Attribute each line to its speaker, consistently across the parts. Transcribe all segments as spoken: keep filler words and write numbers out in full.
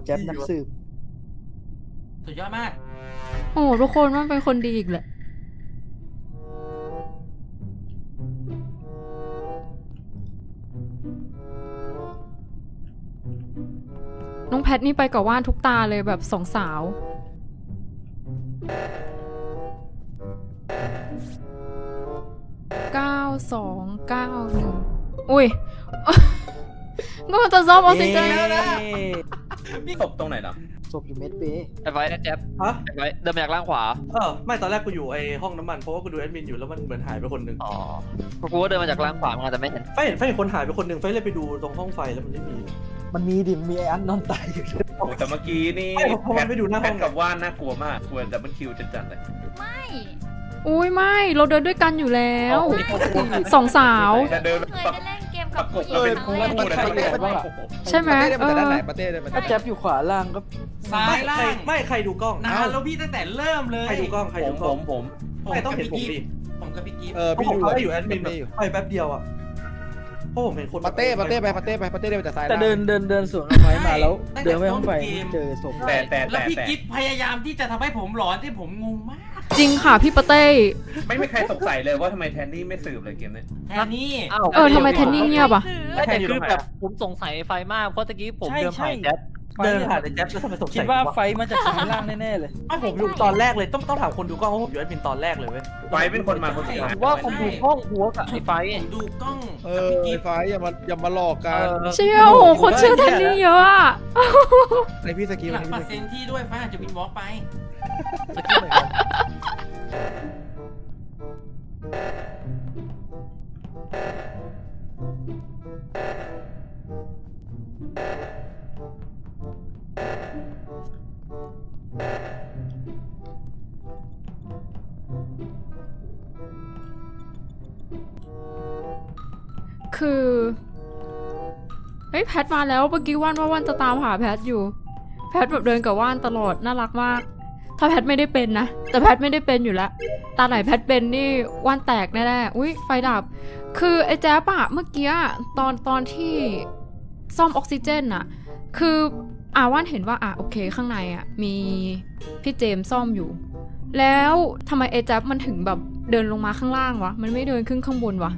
Speaker 1: แจ๊บนักสืบ
Speaker 2: สุดยอดมาก
Speaker 3: โอ้ทุกคนมันเป็นคนดีอีกแหละน้องแพทนี่ไปกับว่านทุกตาเลยแบบสองสาวเก้าสองเก้าหนึ่งอุ้ยก็มันจะซอฟออกซิเจนแล้วนะ
Speaker 4: พี่ศพตรงไหนเนาะ
Speaker 1: ศพอยู่เมดเบย์
Speaker 5: ไอ้ไว้นะแจ๊บฮะไอ้ไว้เดินมาจากล่างขวา
Speaker 6: เออไม่ตอนแรกกูอยู่ไอ้ห้องน้ำมันเพราะว่ากูดูแอดมินอยู่แล้วมันเหมือนหายไปคนหนึ่ง
Speaker 5: อ๋อกูก็เดินมาจากล่างขวามาแต่ไม่เห็น
Speaker 6: ไฟเห็นไฟเห็นคนหายไปคนหนึ่งไฟเลยไปดูตรงห้องไฟแล้วมันไม่มี
Speaker 1: มันมีดิมีไอ้อันนอนตายอยู่
Speaker 4: โอ้แต่เมื่อกี้นี่
Speaker 6: แพทไปดูหน้าห้อง
Speaker 4: กับว่านน่ากลัวมากควรดับเบิลคิวจัดๆเลย
Speaker 3: ไม่อุ้ยไม่เราเดินด้วยกันอยู่แล้วสองสาว
Speaker 4: จะเดิน
Speaker 7: เคยได้เล่นเกมกับผู้หญิง
Speaker 4: เลย
Speaker 7: ครั้งแรก
Speaker 3: ใช่ไหมเออ
Speaker 1: ถ้าแจ๊บอยู่ขวาล่างก็
Speaker 2: ซ้ายล่าง
Speaker 6: ไม่ใครดูกล้อง
Speaker 2: นานแล้วพี่ตั้งแต่เริ่มเลย
Speaker 6: ใครดูกล้องใครดูกล้อง
Speaker 4: ผม
Speaker 6: ผมไม่ต้องเห็นผมดิ
Speaker 2: ผมกับพี่กิ๊ฟ
Speaker 6: เออพี่ดูอยู่แอดมินไปแป๊บเดียวอ่ะเพราะผมเห็นคน
Speaker 8: ปาเต้ปาเต้ไปปาเต้ไปปาเต้เดินจากซ้าย
Speaker 1: แต่เดินเดินเดินสวนไฟมาแล้วเดินไปห้องไฟเจอศพ
Speaker 4: แต่แต่
Speaker 2: แล้วพี่กิ๊ฟพยายามที่จะทำให้ผมหลอนที่ผมงงมาก
Speaker 3: จริงค่ะพี่ปาเต้
Speaker 4: ไม่มีใครสงสัยเลยว่าทำไมแทนนี่ไม่สืบเลยเกมนี้
Speaker 2: แทนนี่
Speaker 3: เออทำไมแทนนี่เงียบอ่ะ
Speaker 5: แต่คือแบบผมสงสัยไฟมากเพราะตะกี้ผมเดินผ่านแจ๊บ
Speaker 6: เดินผ่านไอ้แจ๊บแล้วทำไมสงสัย
Speaker 1: คิดว่าไฟมาจากซ้ายล่างแน่ๆเลย
Speaker 6: ผมอยู่ตอนแรกเลยต้องต้องถามคนดูกล้องว่าผมอยู่แอดมินตอนแรกเลยเว้ย
Speaker 4: ไฟเป็นคนมาคนสุดท้าย
Speaker 5: ว่าผมดูกล้องหัวกับไอ้ไฟ
Speaker 2: ดูกล้อง
Speaker 8: เออไอ้ไฟอย่ามาอย่ามาหลอกกัน
Speaker 3: เชื่อโอ้โหคนเชื่อแทนนี่เยอะอ่ะ
Speaker 8: ในพี่สกิล
Speaker 2: หลังเปอร์เซ็นต์ที่ด้วยฟ้าจะวินวอล์กไป
Speaker 5: สกิลเหมือนกัน
Speaker 3: คือเฮ้ยแพทมาแล้วเมื่อกี้ว่านว่าว่านจะตามหาแพทอยู่แพทแบบเดินกับว่านตลอดน่ารักมากถ้าแพทไม่ได้เป็นนะแต่แพทไม่ได้เป็นอยู่แล้วตาไหนแพทเป็นนี่ว่านแตกแน่ๆอุ้ยไฟดับคือไอ้แจ๊บอะเมื่อกี้ตอนตอนที่ซ่อมออกซิเจนอะคืออ่าว่านเห็นว่าอ่ะโอเคข้างในอะมีพี่เจมซ่อมอยู่แล้วทำไมไอ้แจ๊บมันถึงแบบเดินลงมาข้างล่างวะมันไม่เดินขึ้นข้างบนวะ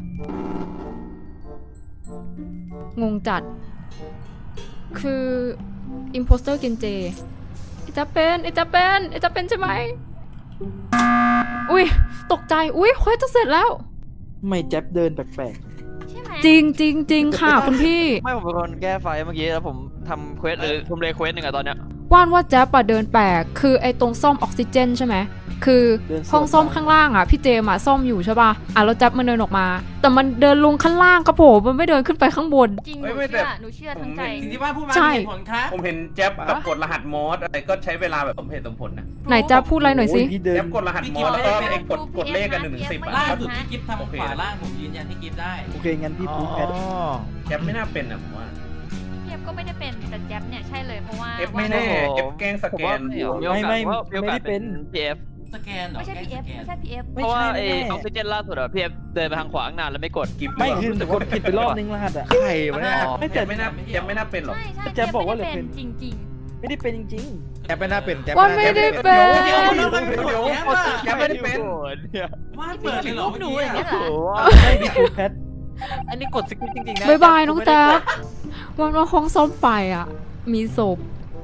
Speaker 3: งงจัดคืออิมโพสเตอร์เกนเจไอจะเป็นไอจะเป็นไอจะเป็นใช่ไหมอุ้ยตกใจอุ้ยเควสจะเสร็จแล้ว
Speaker 1: ไม่แจ๊บเดินแปลก
Speaker 3: ๆจริงจริงจริงค่ะคุณพี่
Speaker 5: ไม่ผมเป็นคนแก้ไฟเมื่อกี้แล้วผมทำเควสหรือทำเลเควสหนึ่งอะตอนเนี้ย
Speaker 3: ว่านว่าแจ๊บอะเดินแปลกคือไอตรงซ่อมออกซิเจนใช่ไหมคือห้องซ่อมข้างล่างอ่ะพี่เจมอะซ่อมอยู่ใช่ป่ะอ่ะแล้วแจ๊บมันเดินออกมาแต่มันเดินลงข้างล่างกระโผล่มันไม่เดินขึ้นไปข้างบน
Speaker 7: จริงหนูเชื่อหนูเชื่อทั้งใจ
Speaker 2: จริงที่ว่าพูดมาเหตุผลครับ
Speaker 4: ผมเห็นแจ๊บแบบกดรหัสมอสอะไรก็ใช้เวลาแบบสมเหตุสมผลนะ
Speaker 3: ไหนแจ๊บพูดอะไรหน่อยสิ
Speaker 4: แจ๊บกดรหัสมอสแล้วก็ไอ้กดกดเลขกันหนึ่งถึงสิบอ่ะ
Speaker 2: ล่าสุดที่กิ๊ฟทำขวาล่างผมยืนยันที่กิ๊ฟได้
Speaker 1: โอเคงั้นพี่พูดแพท
Speaker 4: แจ๊บไม่น่าเป็นอ่ะผมว่า
Speaker 7: เอฟก็ไม่ได้เป็นแต่แจ๊บเนี่ยใช่เลยเพราะว่า
Speaker 4: เอฟไม่แน่เอฟแกล้งสแกน
Speaker 1: ไม่ไม่ไม่ได้เป็น
Speaker 5: พีเอฟ
Speaker 2: สแกนเหรอ
Speaker 7: ไม่ใช่ พี เอฟ ไม่ใช่ พี เอฟ
Speaker 5: เพราะว่าไอออกซิเจนล่าสุดอะพีเอฟเดินไปทางขวาตั้งนานแล้วไม่กด
Speaker 1: กิ๊บไม่คือแต่กดผิดไปรอบนึงรหัสอะ
Speaker 8: ใครวะเนี่ย
Speaker 4: ไม่แต่ไม่น่าแจ๊บไม่น่าเป็นหรอก
Speaker 1: แจ๊บบอกว่าเลยเป็น
Speaker 7: จริง
Speaker 1: ๆไม่ได้เป็นจริง
Speaker 8: ๆแจ๊บไม่น่าเป็น
Speaker 3: ว่าไม่ได้เป็น
Speaker 4: แจ๊บไม่ได้เป็น
Speaker 2: ว่าเปิดเลยหรอหนูอย่างเงี้ย
Speaker 1: ไม่ได้พูดแพท
Speaker 5: อันนี้กดสกิปจริงๆนะ
Speaker 3: บายบายน้องแจ๊บวันว่าห้องซ่อมไฟอ่ะมีศพ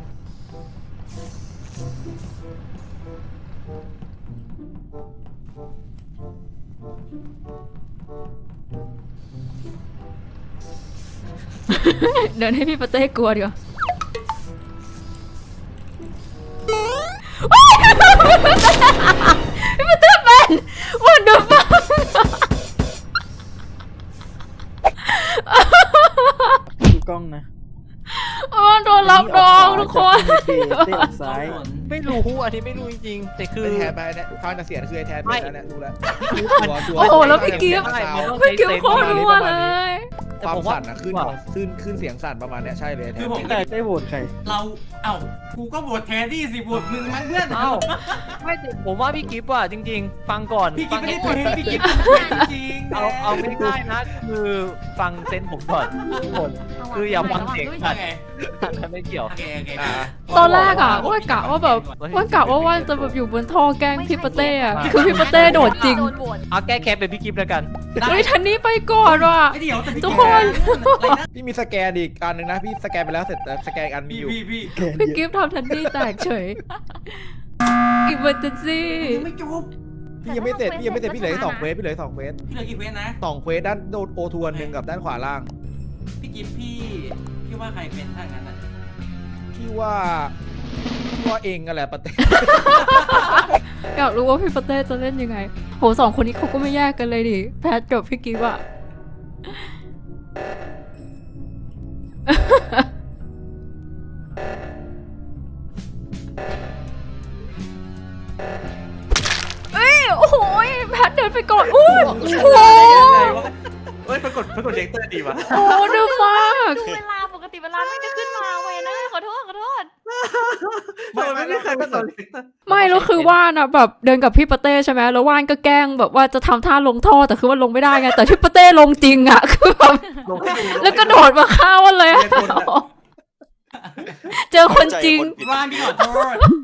Speaker 3: เดินให้พี่ปาเต้กลัวดีกว่าพี่ปาเต้เป็นวันเดอร์ฟัง
Speaker 1: ดูกล้องนะ
Speaker 3: อ๋อโดนรับรองทุกคน
Speaker 1: เตะซ้าย
Speaker 5: ไม่รู้อันนี้ไม่รู้จริงๆแต่คือ
Speaker 8: แทนไปเนี่ยฟังแต่เสียงคือไอแทนไปแล้วเนี่ยดูแล
Speaker 3: โอ้โหแล้วพี่กิ๊ฟพี่กิ๊ฟโคตรรัวเลย
Speaker 5: แ
Speaker 8: ความสั่นอะขึ้นของขึ้นขึ้นเสียงสั่นประมาณเนี้ยใช่เลยไอ้แท
Speaker 2: คื
Speaker 8: น
Speaker 2: อผม
Speaker 1: แต่ได้โหวตใคร
Speaker 2: เราเอ้ากูก็โหวตแทนที่สิโหวตมึงมั้งเพื่อน
Speaker 9: เอ้าไม่แต่ผมว่าพี่กิฟต์อ่ะจริง ๆ ฟังก่อน
Speaker 2: พี่กิ๊
Speaker 9: ฟั
Speaker 2: ฟไม่ได้
Speaker 9: ก่อน
Speaker 2: เป็นพี่กิ๊ฟเป็นจริงๆ
Speaker 9: เอาเอาง่ายๆนะคือฟังเซนส์ผมก่อนทุกคน คืออย่าฟังเสียง
Speaker 2: โอเค
Speaker 9: อันไม่เกี่ยว
Speaker 2: โอเคโอเค
Speaker 8: อ่า
Speaker 3: ตอนแรกอะว่ากะว่าแบบว่ากะว่าว่านจะแบบอยู่บนท่อแกล้งพี่ปาเต้อะคือพี่ปาเต้โดดจริง
Speaker 7: โดนโหวต
Speaker 9: เอาแก้แค้นเป็นพี่กิฟต์แล้วกัน
Speaker 3: เฮ้ยทันนี้ไปก่อนว่ะ
Speaker 2: ไอ้เดี๋ยวแต่พี่
Speaker 3: ทุกคน
Speaker 2: อะไรนะ
Speaker 8: พี่มีสแกนอีกอันหนึ่งนะพี่สแกนไปแล้วเสร็จแต่สแกนอีกอันมี
Speaker 2: พี่
Speaker 8: อยู่
Speaker 2: พี่พี่
Speaker 1: แกน
Speaker 3: พี่
Speaker 1: เย
Speaker 3: กิ
Speaker 1: อะ
Speaker 3: ฟต์ทำทันนี่แตกเฉยอิมเมอร์เจนซี่
Speaker 2: ยังไม่จบ
Speaker 8: พี่ยังไม่เสร็จพี่ยังไม่เสร็จพี่เหลืออีกสองเควสพี่เหลืออีกสองเควส
Speaker 2: พี่เหลือกี่เควสนะ
Speaker 8: สองเควสด้านโดนโอทวนหนึ่งกับด้านขวาล่าง
Speaker 2: พี่กิ๊ฟพี่พี่ว่าใครเป็นถ้างั้นอ่ะ
Speaker 8: พี่ว่าพี่ว่าเองกันแหละปะเต้
Speaker 3: อยากรู้ว่าพี่ปาเต้จะเล่นยังไงโหสองคนนี้เขาก็ไม่แยกกันเลยดิแพทกับพี่กิฟต์อะ เอ้ยโอ้โหแพทเดินไปก่อนอุ้ยโอ้โห
Speaker 4: เฮ้ยปรากฏปรากฏเด็กเตอร์ดีวะ
Speaker 3: โอ้เดือดมาก
Speaker 7: ดูเวลาปกติเวลาไม่จะขึ้นมาเวยนะขอโทษขอโทษ
Speaker 4: ไม่ไม่ไม่เคยเป็นตัวเด็กเตอร์
Speaker 3: ไม่แล้วคือว่านอะแบบเดินกับพี่ปาเต้ใช่ไหมแล้วว่านก็แกล้งแบบว่าจะทำท่าลงท่อแต่คือว่าลงไม่ได้ไงแต่พี่ปาเต้ลงจริงอะคือแบบแล้วก็โดดมาฆ่าวันเลยอะเจอคนจริง
Speaker 2: ว่านพี่ขอโทษ